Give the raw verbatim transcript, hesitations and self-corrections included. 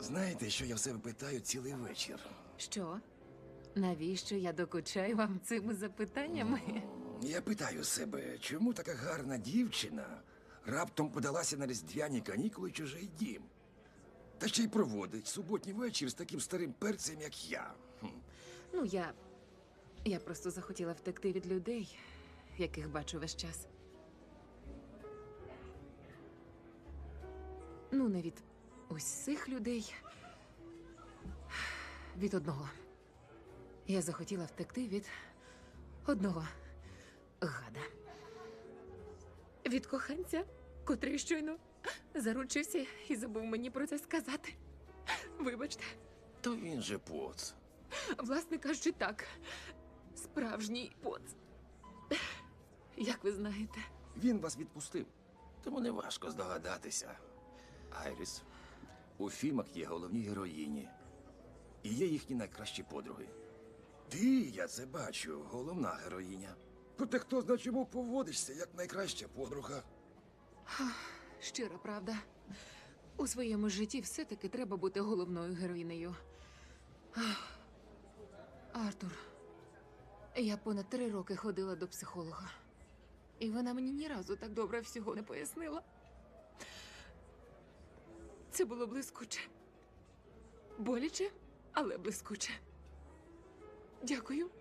Знаєте, що я в себе питаю цілий вечір? Що? Навіщо я докучаю вам цими запитаннями? Я питаю себе, чому така гарна дівчина раптом подалася на різдвяні канікули в чужий дім? Та ще й проводить суботній вечір з таким старим перцем, як я. Хм. Ну, я. Я просто захотіла втекти від людей, яких бачу весь час. Ну, не від усіх людей. Від одного. Я захотіла втекти від одного гада. Від коханця, котрий щойно заручився і забув мені про це сказати. Вибачте. То він же поц. Власне кажучи, так. Справжній поц. Як ви знаєте. Він вас відпустив. Тому не важко здогадатися. Айріс, у фільмах є головні героїні. І є їхні найкращі подруги. Ти, я це бачу, головна героїня. Проте хто зна чому поводишся, як найкраща подруга. Щира правда. У своєму житті все-таки треба бути головною героїнею. Ах. Артур, я понад три роки ходила до психолога. І вона мені ні разу так добре всього не пояснила. Це було блискуче. Боляче, але блискуче. Дякую.